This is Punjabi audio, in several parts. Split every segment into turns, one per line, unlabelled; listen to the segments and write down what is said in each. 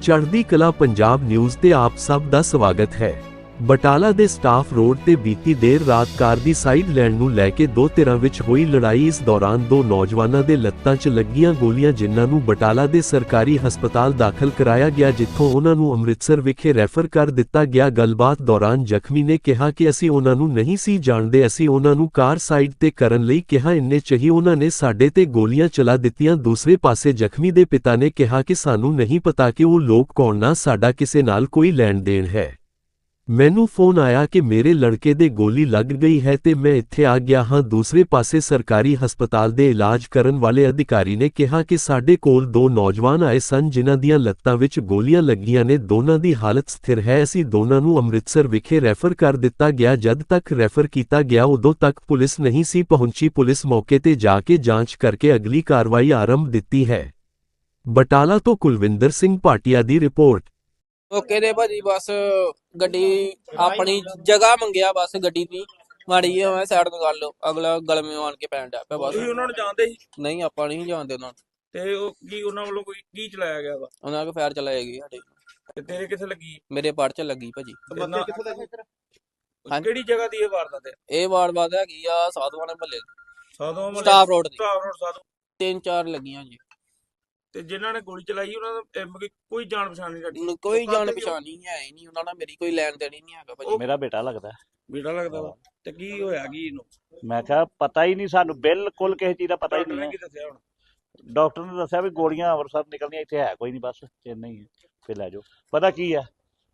ਚੜ੍ਹਦੀ ਕਲਾ ਪੰਜਾਬ ਨਿਊਜ਼ ਤੇ ਆਪ ਸਭ ਦਾ ਸਵਾਗਤ ਹੈ। ਬਟਾਲਾ ਦੇ ਸਟਾਫ ਰੋਡ ਤੇ ਬੀਤੀ ਦੇਰ ਰਾਤ ਕਾਰ ਦੀ ਸਾਈਡ ਲੈਣ ਨੂੰ ਲੈ ਕੇ ਦੋ ਧਿਰਾਂ ਵਿੱਚ ਹੋਈ ਲੜਾਈ। ਇਸ ਦੌਰਾਨ ਦੋ ਨੌਜਵਾਨਾਂ ਦੇ ਲੱਤਾਂ 'ਚ ਲੱਗੀਆਂ ਗੋਲੀਆਂ, ਜਿਨ੍ਹਾਂ ਨੂੰ ਬਟਾਲਾ ਦੇ ਸਰਕਾਰੀ ਹਸਪਤਾਲ ਦਾਖਲ ਕਰਾਇਆ ਗਿਆ, ਜਿੱਥੋਂ ਉਹਨਾਂ ਨੂੰ ਅੰਮ੍ਰਿਤਸਰ ਵਿਖੇ ਰੈਫਰ ਕਰ ਦਿੱਤਾ ਗਿਆ। ਗੱਲਬਾਤ ਦੌਰਾਨ ਜ਼ਖਮੀ ਨੇ ਕਿਹਾ ਕਿ ਅਸੀਂ ਉਹਨਾਂ ਨੂੰ ਨਹੀਂ ਸੀ ਜਾਣਦੇ, ਅਸੀਂ ਉਹਨਾਂ ਨੂੰ ਕਾਰ ਸਾਈਡ ਤੇ ਕਰਨ ਲਈ ਕਿਹਾ, ਇੰਨੇ 'ਚ ਹੀ ਉਹਨਾਂ ਨੇ ਸਾਡੇ ਤੇ ਗੋਲੀਆਂ ਚਲਾ ਦਿੱਤੀਆਂ। ਦੂਸਰੇ ਪਾਸੇ ਜ਼ਖਮੀ ਦੇ ਪਿਤਾ ਨੇ ਕਿਹਾ ਕਿ ਸਾਨੂੰ ਨਹੀਂ ਪਤਾ ਕਿ ਉਹ ਲੋਕ ਕੌਣ, ਨਾ ਸਾਡਾ ਕਿਸੇ ਨਾਲ ਕੋਈ ਲੈਣ ਦੇਣ ਹੈ। ਮੈਨੂੰ ਫੋਨ ਆਇਆ ਕਿ ਮੇਰੇ ਲੜਕੇ ਦੇ ਗੋਲੀ ਲੱਗ ਗਈ ਹੈ ਤੇ ਮੈਂ ਇੱਥੇ ਆ ਗਿਆ ਹਾਂ। ਦੂਸਰੇ ਪਾਸੇ ਸਰਕਾਰੀ ਹਸਪਤਾਲ ਦੇ ਇਲਾਜ ਕਰਨ ਵਾਲੇ ਅਧਿਕਾਰੀ ਨੇ ਕਿਹਾ ਕਿ ਸਾਡੇ ਕੋਲ ਦੋ ਨੌਜਵਾਨ ਆਏ ਸਨ ਜਿਨ੍ਹਾਂ ਦੀਆਂ ਲੱਤਾਂ ਵਿੱਚ ਗੋਲੀਆਂ ਲੱਗੀਆਂ ਨੇ, ਦੋਨਾਂ ਦੀ ਹਾਲਤ ਸਥਿਰ ਹੈ। ਅਸੀਂ ਦੋਨਾਂ ਨੂੰ ਅੰਮ੍ਰਿਤਸਰ ਵਿਖੇ ਰੈਫਰ ਕਰ ਦਿੱਤਾ ਗਿਆ। ਜਦ ਤੱਕ ਰੈਫਰ ਕੀਤਾ ਗਿਆ ਉਦੋਂ ਤੱਕ ਪੁਲਿਸ ਨਹੀਂ ਸੀ ਪਹੁੰਚੀ। ਪੁਲਿਸ ਮੌਕੇ ਤੇ ਜਾ ਕੇ ਜਾਂਚ ਕਰਕੇ ਅਗਲੀ ਕਾਰਵਾਈ ਆਰੰਭ ਦਿੱਤੀ ਹੈ। ਬਟਾਲਾ ਤੋਂ ਕੁਲਵਿੰਦਰ ਸਿੰਘ ਭਾਟੀਆ ਦੀ ਰਿਪੋਰਟ।
ਓਕੇ ਦੇ ਭਾਜੀ, ਬਸ ਗੱਡੀ ਆਪਣੀ ਜਗ੍ਹਾ ਮੰਗਿਆ, ਬਸ ਗੱਡੀ ਦੀ ਮਾੜੀ ਜਿਹੀ ਮੈਂ ਸਾਈਡ ਤੋਂ ਕਰ ਲਓ, ਅਗਲਾ ਗਲਮੇ ਆਣ ਕੇ ਪੈਣ ਡਿਆ ਪਿਆ। ਬਸ
ਤੁਸੀਂ ਉਹਨਾਂ ਨੂੰ ਜਾਣਦੇ ਸੀ?
ਨਹੀਂ, ਆਪਾਂ ਨਹੀਂ ਜਾਣਦੇ ਉਹਨਾਂ ਨੂੰ।
ਤੇ ਉਹ ਕੀ ਉਹਨਾਂ ਵੱਲੋਂ ਕੋਈ ਕੀ ਚਲਾਇਆ ਗਿਆ ਵਾ?
ਉਹਨਾਂ ਕੋ ਫਾਇਰ ਚਲਾਏਗੀ ਸਾਡੇ।
ਤੇ ਤੇਰੇ ਕਿੱਥੇ ਲੱਗੀ?
ਮੇਰੇ ਪੜ ਚ ਲੱਗੀ ਭਾਜੀ।
ਬੰਦੇ ਕਿੱਥੇ ਲੱਗੇ?
ਹਾਂਜੀ।
ਕਿਹੜੀ ਜਗ੍ਹਾ ਦੀ ਇਹ ਵਾਰਦਾਤ ਹੈ?
ਇਹ ਵਾਰ ਹੈਗੀ ਆ ਸਾਧੂਆਂ ਦੇ ਮਹੱਲੇ
ਸਾਧੂ ਮਹੱਲੇ
ਸਟਾਫ ਰੋਡ ਤੇ।
ਸਟਾਫ ਰੋਡ ਸਾਧੂ।
3-4 ਲੱਗੀਆਂ ਜੀ।
ਤੇ ਜਿਨ੍ਹਾਂ ਨੇ ਗੋਲੀ ਚਲਾਈ ਉਹਨਾਂ ਦਾ ਕੋਈ ਜਾਣ ਪਛਾਣ ਨਹੀਂ ਸਾਡੀ?
ਕੋਈ ਜਾਣ ਪਛਾਣ ਨਹੀਂ ਹੈ ਹੀ ਨਹੀਂ, ਉਹਨਾਂ ਨਾਲ ਮੇਰੀ ਕੋਈ ਲੈਣ ਦੇਣ ਹੀ ਨਹੀਂ ਹੈਗਾ ਭਾਜੀ।
ਮੇਰਾ ਬੇਟਾ ਲੱਗਦਾ।
ਬੇਟਾ ਲੱਗਦਾ ਵਾ? ਤੇ ਕੀ ਹੋਇਆ ਕੀ ਇਹਨੂੰ?
ਮੈਂ ਕਿਹਾ ਪਤਾ ਹੀ ਨਹੀਂ ਸਾਨੂੰ, ਬਿਲਕੁਲ ਕਿਸੇ ਚੀਜ਼ ਦਾ ਪਤਾ ਹੀ
ਡਾਕਟਰ ਨੇ
ਨਹੀਂ
ਕੀ ਦੱਸਿਆ ਹੁਣ?
ਡਾਕਟਰ ਨੇ ਦੱਸਿਆ ਵੀ ਗੋਲੀਆਂ ਅੰਮ੍ਰਿਤਸਰ ਨਿਕਲਣੀਆਂ, ਇੱਥੇ ਹੈ ਕੋਈ ਨਹੀਂ, ਬਸ ਇੰਨਾ ਹੀ ਹੈ, ਫਿਰ ਲੈ ਜਾਓ। ਪਤਾ ਕੀ ਆ,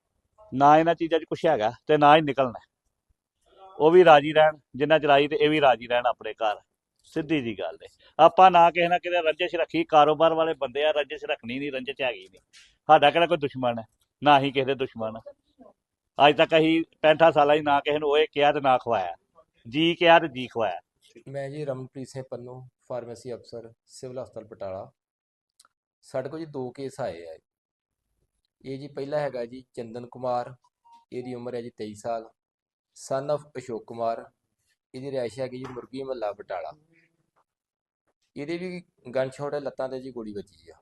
ਨਾ ਇਹਨਾਂ ਚੀਜ਼ਾਂ 'ਚ ਕੁਛ ਹੈਗਾ ਤੇ ਨਾ ਹੀ ਨਿਕਲਣਾ। ਉਹ ਵੀ ਰਾਜੀ ਰਹਿਣ ਜਿੰਨਾ ਚਲਾਈ, ਤੇ ਇਹ ਵੀ ਰਾਜੀ ਰਹਿਣ ਆਪਣੇ ਘਰ। ਸਿੱਧੀ ਜੀ ਗੱਲ ਹੈ। ਆਪਾਂ ਨਾ ਕਿਸੇ ਨਾ ਕਿਤੇ ਰੰਜਿਸ਼ ਰੱਖੀ, ਕਾਰੋਬਾਰ ਵਾਲੇ ਬੰਦੇ ਆ, ਰੰਜਿਸ਼ ਰੱਖਣੀ ਨਹੀਂ, ਰੰਜਿਸ਼ ਹੈਗੀ ਨਹੀਂ। ਸਾਡਾ ਕਿਹੜਾ ਕੋਈ ਦੁਸ਼ਮਣ ਹੈ, ਨਾ ਹੀ ਕਿਸੇ ਦੇ ਦੁਸ਼ਮਣ। ਅੱਜ ਤੱਕ ਅਸੀਂ 65 ਸਾਲਾਂ ਹੀ ਨਾ ਕਿਸੇ ਨੂੰ ਉਹ ਕਿਹਾ ਤੇ ਨਾ ਖਵਾਇਆ, ਜੀ ਕਿਹਾ ਤੇ ਜੀ ਖਵਾਇਆ।
ਮੈਂ ਜੀ ਰਮਨਪ੍ਰੀਤ ਸਿੰਘ ਪੰਨੂ, ਫਾਰਮੇਸੀ ਅਫਸਰ, ਸਿਵਲ ਹਸਪਤਾਲ ਬਟਾਲਾ। ਸਾਡੇ ਕੋਲ ਜੀ ਦੋ ਕੇਸ ਆਏ ਆ। ਇਹ ਜੀ ਪਹਿਲਾ ਹੈਗਾ ਜੀ ਚੰਦਨ ਕੁਮਾਰ, ਇਹਦੀ ਉਮਰ ਹੈ ਜੀ 23 ਸਾਲ, ਸਨ of ਅਸ਼ੋਕ ਕੁਮਾਰ। ਇਹਦੀ ਰਿਹਾਇਸ਼ ਹੈਗੀ ਜੀ ਮੁਰਗੀ ਮਹੱਲਾ ਬਟਾਲਾ। ਇਹਦੇ ਵੀ ਗਨ ਸ਼ਾਟ ਹੈ, ਲੱਤਾਂ ਤੇ ਜੀ ਗੋਲੀ ਵੱਜੀ ਆ।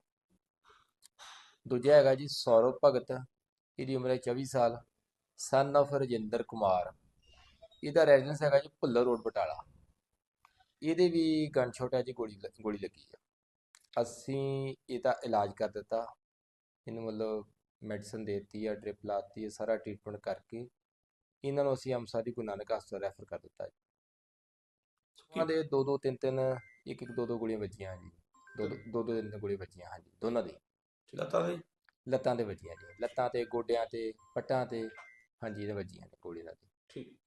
ਦੂਜਾ ਹੈਗਾ ਜੀ ਸੌਰਵ ਭਗਤ, ਇਹਦੀ ਉਮਰ ਹੈ 24 ਸਾਲ, ਸਨ of ਰਜਿੰਦਰ ਕੁਮਾਰ। ਇਹਦਾ ਰੈਜ਼ੀਡੈਂਸ ਹੈਗਾ ਜੀ ਭੁੱਲਰ ਰੋਡ ਬਟਾਲਾ। ਇਹਦੇ ਵੀ ਗਨ ਸ਼ਾਟ ਹੈ ਜੀ, ਗੋਲੀ ਲੱਗੀ ਆ। ਅਸੀਂ ਇਹਦਾ ਇਲਾਜ ਕਰ ਦਿੱਤਾ, ਇਹਨੂੰ ਮਤਲਬ ਮੈਡੀਸਨ ਦੇ ਦਿੱਤੀ ਆ, ਡ੍ਰਿਪ ਲਾਤੀ ਹੈ, ਸਾਰਾ ਟ੍ਰੀਟਮੈਂਟ ਕਰਕੇ ਇਹਨਾਂ ਨੂੰ ਅਸੀਂ ਅੰਮ੍ਰਿਤਸਰ ਦੀ ਗੁਰੂ ਨਾਨਕ ਹਸਪਤਾਲ ਰੈਫਰ ਕਰ ਦਿੱਤਾ ਜੀ। ਉਹਨਾਂ ਦੇ 2-2, 3-3, 1-1, 2-2 ਗੋਲੀਆਂ ਵੱਜੀਆਂ ਜੀ। 2-2 ਗੋਲੀਆਂ ਵੱਜੀਆਂ ਹਾਂਜੀ, ਦੋਨਾਂ ਦੀ ਲੱਤਾਂ ਤੇ ਵੱਜੀਆਂ ਜੀ, ਲੱਤਾਂ ਤੇ, ਗੋਡਿਆਂ ਤੇ, ਪੱਟਾਂ ਤੇ, ਹਾਂਜੀ ਇਹਦੇ ਵੱਜੀਆਂ ਨੇ ਗੋਲੀਆਂ ਦੀ।
ਠੀਕ।